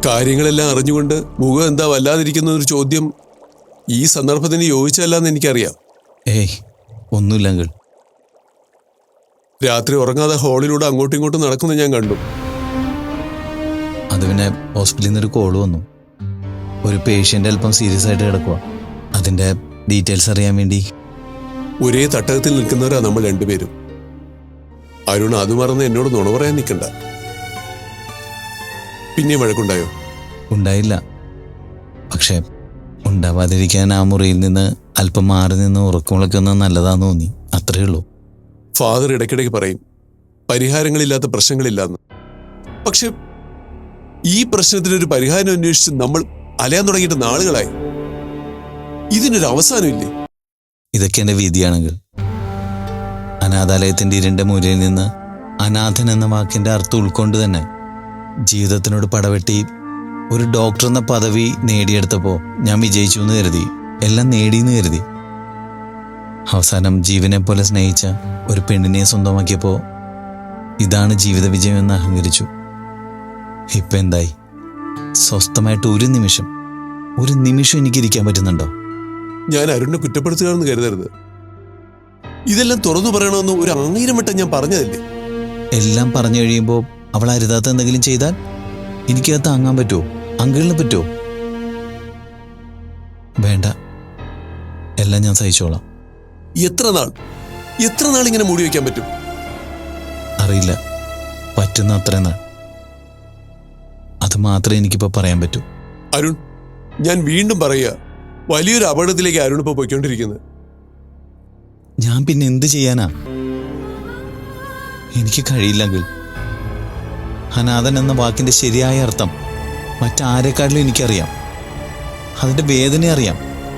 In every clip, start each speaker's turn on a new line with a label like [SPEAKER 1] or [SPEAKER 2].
[SPEAKER 1] കാര്യങ്ങളെല്ലാം അറിഞ്ഞുകൊണ്ട് മുഖം എന്താ വല്ലാതിരിക്കുന്ന ഒരു ചോദ്യം ഈ സന്ദർഭത്തിന് യോജിച്ചതല്ലെന്ന് എനിക്കറിയാം.
[SPEAKER 2] ഏയ് ഒന്നുമില്ല അങ്കിൾ.
[SPEAKER 1] രാത്രി ഉറങ്ങാതെ ഹാളിലൂടെ അങ്ങോട്ടും ഇങ്ങോട്ടും നടക്കുന്നത് ഞാൻ കണ്ടു.
[SPEAKER 2] അത് പിന്നെ ഹോസ്പിറ്റലിൽ നിന്നൊരു കോള് വന്നു. ഒരു പേഷ്യൻ്റ് അല്പം സീരിയസ് ആയിട്ട് കിടക്കുക. അതിൻ്റെ ഡീറ്റെയിൽസ് അറിയാൻ വേണ്ടി.
[SPEAKER 1] ഒരേ തട്ടകത്തിൽ നിൽക്കുന്നവരാ നമ്മൾ രണ്ടുപേരും. അരുൺ അത് മറന്ന് എന്നോട് നുണ പറയാൻ നിൽക്കണ്ട. പിന്നെ വഴക്കുണ്ടായോ?
[SPEAKER 2] ഉണ്ടായില്ല. പക്ഷേ ഉണ്ടാവാതിരിക്കാൻ ആ മുറിയിൽ നിന്ന് അല്പം മാറി നിന്ന് ഉറക്കമുളക്കുന്നത് നല്ലതാന്ന് തോന്നി. അത്രയേ ഉള്ളൂ.
[SPEAKER 1] ഫാദർ ഇടയ്ക്കിടയ്ക്ക് പറയും പരിഹാരങ്ങളില്ലാത്ത പ്രശ്നങ്ങളില്ലാന്ന്. പക്ഷെ ഈ പ്രശ്നത്തിനൊരു പരിഹാരം അന്വേഷിച്ച് നമ്മൾ അലയാൻ തുടങ്ങിയിട്ട് നാളുകളായി. ഇതിനൊരു അവസാനമില്ലേ?
[SPEAKER 2] ഇതൊക്കെ എൻ്റെ വിധിയാണെങ്കിൽ. അനാഥാലയത്തിൻ്റെ ഇരുണ്ട മൂലയിൽ നിന്ന് അനാഥൻ എന്ന വാക്കിൻ്റെ അർത്ഥം ഉൾക്കൊണ്ട് തന്നെ ജീവിതത്തിനോട് പടവെട്ടി ഒരു ഡോക്ടർ എന്ന പദവി നേടിയെടുത്തപ്പോൾ ഞാൻ വിജയിച്ചു എന്ന് കരുതി. എല്ലാം നേടിയെന്ന് കരുതി. അവസാനം ജീവനെ പോലെ സ്നേഹിച്ച ഒരു പെണ്ണിനെ സ്വന്തമാക്കിയപ്പോൾ ഇതാണ് ജീവിത വിജയമെന്ന് അഹങ്കരിച്ചു. ഇപ്പം എന്തായി? സ്വസ്ഥമായിട്ട് ഒരു നിമിഷം എനിക്കിരിക്കാൻ പറ്റുന്നുണ്ടോ?
[SPEAKER 1] ഞാൻ അരുണിനെ കുറ്റപ്പെടുത്തുകയാണെന്ന് കരുതരുത്. ഇതെല്ലാം തുറന്നു പറയണമെന്ന് ഒരു 1000 വട്ടം ഞാൻ പറഞ്ഞതല്ലേ.
[SPEAKER 2] എല്ലാം പറഞ്ഞു കഴിയുമ്പോൾ അവൾ അരുതാത്ത എന്തെങ്കിലും ചെയ്താൽ എനിക്കത് താങ്ങാൻ പറ്റുമോ? അങ്കിളിന് പറ്റുമോ? വേണ്ട, എല്ലാം ഞാൻ സഹിച്ചോളാം.
[SPEAKER 1] എത്ര നാൾ ഇങ്ങനെ മൂടി വയ്ക്കാൻ പറ്റും?
[SPEAKER 2] അറിയില്ല. പറ്റുന്ന അത്രയും നാൾ. അത് മാത്രമേ എനിക്കിപ്പോൾ പറയാൻ പറ്റൂ.
[SPEAKER 1] അരുൺ, ഞാൻ വീണ്ടും പറയുക, വലിയൊരു അപകടത്തിലേക്ക് അരുൺ ഇപ്പോൾ പോയിക്കൊണ്ടിരിക്കുന്നത്.
[SPEAKER 2] ഞാൻ പിന്നെ എന്ത് ചെയ്യാനാ? എനിക്ക് കഴിയില്ലെങ്കിൽ. അനാഥൻ എന്ന വാക്കിന്റെ ശരിയായ അർത്ഥം മറ്റാരെക്കാട്ടിലും എനിക്കറിയാം. അതിന്റെ വേദന അറിയാം.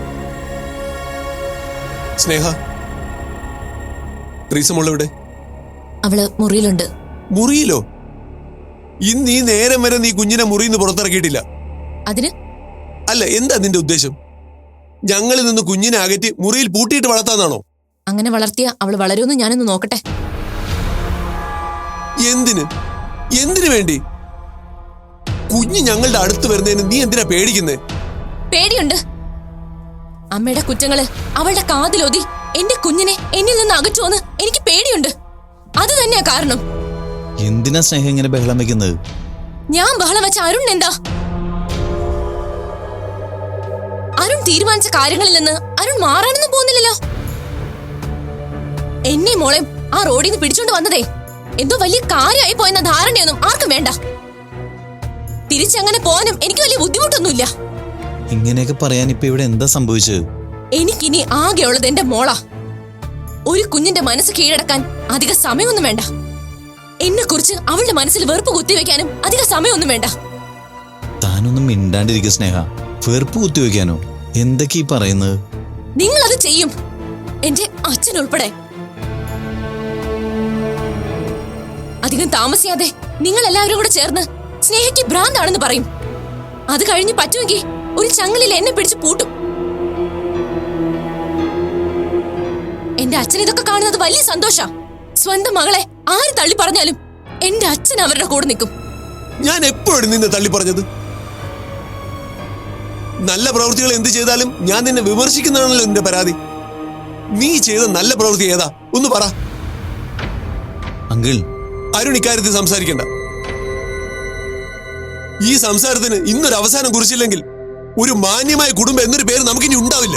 [SPEAKER 1] സ്നേഹ, ട്രീസമോളെവിടെ?
[SPEAKER 3] അവള് മുറിയിലുണ്ട്.
[SPEAKER 1] മുറിയിലോ? ഇന്ന് ഈ നേരം വരെ നീ കുഞ്ഞിനെ മുറിയിൽ നിന്ന് പുറത്തിറക്കിയിട്ടില്ല.
[SPEAKER 3] അതിന്
[SPEAKER 1] അല്ല, എന്താ നിന്റെ ഉദ്ദേശം? ഞങ്ങളിൽ നിന്ന് കുഞ്ഞിനെ അകറ്റി മുറിയിൽ പൂട്ടിയിട്ട് വളർത്താന്നാണോ?
[SPEAKER 3] അങ്ങനെ വളർത്തിയ അവള് വളരുമെന്ന് ഞാനൊന്ന് നോക്കട്ടെ.
[SPEAKER 1] എന്തിനു വേണ്ടി? കുഞ്ഞ് ഞങ്ങളുടെ അടുത്ത് വരുന്നതിന് നീ എന്തിനാ പേടിക്കുന്നേ?
[SPEAKER 3] പേടിയുണ്ട്. അമ്മയുടെ കുറ്റങ്ങള് അവളുടെ കാതിലൊതി എന്റെ കുഞ്ഞിനെ എന്നിൽ നിന്ന് അകറ്റുവെന്ന് എനിക്ക് പേടിയുണ്ട്. അത് തന്നെയാ കാരണം.
[SPEAKER 2] എന്തിനാ സ്നേഹം ഇങ്ങനെ ബഹളം വെക്കുന്നത്?
[SPEAKER 3] ഞാൻ ബഹളം വെച്ച അരുൺ എന്താ? അരുൺ തീരുമാനിച്ച കാര്യങ്ങളിൽ നിന്ന് അരുൺ മാറാനൊന്നും പോകുന്നില്ലല്ലോ. എന്നെ മോളെ ആ റോഡിൽ നിന്ന് പിടിച്ചോണ്ട് വന്നതേ എന്തോ വലിയ കാര്യമായി പോയെന്ന ധാരണയൊന്നും ആർക്കും വേണ്ട. തിരിച്ചങ്ങനെ പോകാനും എനിക്ക് വലിയ ബുദ്ധിമുട്ടൊന്നുമില്ല.
[SPEAKER 2] ഇങ്ങനെയൊക്കെ പറയാൻ ഇപ്പൊ ഇവിടെ എന്താ സംഭവിച്ചത്?
[SPEAKER 3] എനിക്കിനി ആകെയുള്ളത് എന്റെ മോളാ. ഒരു കുഞ്ഞിന്റെ മനസ്സ് കീഴടക്കാൻ അധിക സമയമൊന്നും വേണ്ട. എന്നെ കുറിച്ച് അവളുടെ മനസ്സിൽ വെറുപ്പ് കുത്തിവെക്കാനും അധിക സമയമൊന്നും വേണ്ട.
[SPEAKER 2] താനൊന്നും മിണ്ടാണ്ടിരിക്കുക സ്നേഹ. വെറുപ്പ് കുത്തിവെക്കാനോ? എന്തൊക്കെയാ പറയുന്നത്?
[SPEAKER 3] നിങ്ങൾ അത് ചെയ്യും, എന്റെ അച്ഛൻ ഉൾപ്പെടെ. അധികം താമസിയാതെ നിങ്ങൾ എല്ലാവരും കൂടെ ചേർന്ന് സ്നേഹയ്ക്ക് ഭ്രാന്താണെന്ന് പറയും. അത് കഴിഞ്ഞ് പറ്റുമെങ്കിൽ ഒരു ചങ്ങലിൽ എന്നെ പിടിച്ച് പൂട്ടും. എന്റെ അച്ഛൻ ഇതൊക്കെ കാണുന്നത് വലിയ സന്തോഷാ. സ്വന്തം മകളെ ആര് തള്ളി പറഞ്ഞാലും എന്റെ അച്ഛൻ അവരുടെ കൂടെ നിൽക്കും.
[SPEAKER 1] ഞാൻ എപ്പോഴും നിന്നെ തള്ളി പറഞ്ഞത്? നല്ല പ്രവൃത്തികൾ എന്ത് ചെയ്താലും ഞാൻ നിന്നെ വിമർശിക്കുന്നതാണല്ലോ നിന്റെ പരാതി. നീ ചെയ്ത നല്ല പ്രവൃത്തി ഏതാ? ഒന്ന് പറ.
[SPEAKER 2] അങ്കിൾ,
[SPEAKER 1] അരുൺ ഇക്കാര്യത്തിൽ സംസാരിക്കണ്ട. ഈ സംസാരത്തിന് ഇന്നൊരു അവസാനം കുറിച്ചില്ലെങ്കിൽ ഒരു മാന്യമായ കുടുംബം എന്നൊരു പേര് നമുക്കിനി ഉണ്ടാവില്ല.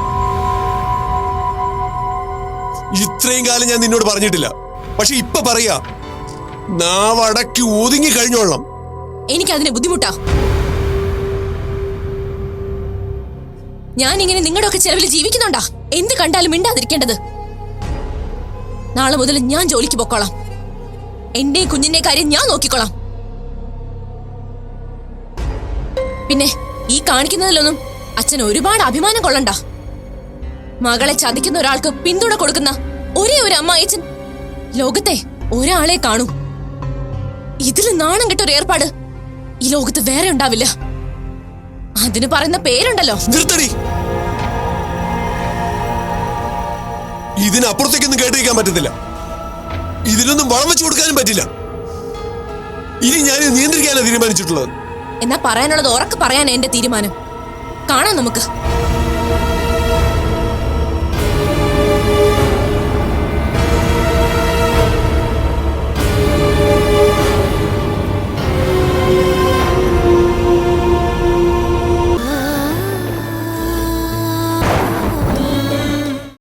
[SPEAKER 1] ഇത്രയും കാലം ഞാൻ നിന്നോട് പറഞ്ഞിട്ടില്ല, പക്ഷെ ഇപ്പൊ പറയാ, നാവടക്കി ഒതുങ്ങി കഴിഞ്ഞോളാം.
[SPEAKER 3] എനിക്കതിന് ബുദ്ധിമുട്ടാ. ഞാൻ ഇങ്ങനെ നിങ്ങളുടെ ഒക്കെ ചെലവിൽ ജീവിക്കുന്നുണ്ടാ എന്ത് കണ്ടാലും മിണ്ടാതിരിക്കേണ്ടത്? നാളെ മുതൽ ഞാൻ ജോലിക്ക് പൊക്കോളാം. എന്റെ കുഞ്ഞിന്റെ കാര്യം ഞാൻ നോക്കിക്കോളാം. പിന്നെ ഈ കാണിക്കുന്നതിലൊന്നും അച്ഛൻ ഒരുപാട് അഭിമാനം കൊള്ളണ്ട. മകളെ ചതിക്കുന്ന ഒരാൾക്ക് പിന്തുണ കൊടുക്കുന്ന ഒരേ ഒരു അമ്മായിച്ചൻ ലോകത്തെ ഒരാളെ കാണൂ. ഇതിൽ നാണം കെട്ടൊരു ഏർപ്പാട് ഈ ലോകത്ത് വേറെ ഉണ്ടാവില്ല. അതിന് പറയുന്ന പേരുണ്ടല്ലോ.
[SPEAKER 1] നിർത്തടി. ഇതിനപ്പുറത്തേക്കൊന്നും കേട്ടിരിക്കാൻ പറ്റത്തില്ല. ഇതിനൊന്നും വളം വെച്ചു കൊടുക്കാനും പറ്റില്ല. ഇനി ഞാൻ നിയന്ത്രിക്കാനാണ് തീരുമാനിച്ചിട്ടുള്ളത്.
[SPEAKER 3] എന്നാ പറയാനുള്ളത് ഉറക്കെ പറയാൻ എന്റെ തീരുമാനം. കാണാം നമുക്ക്.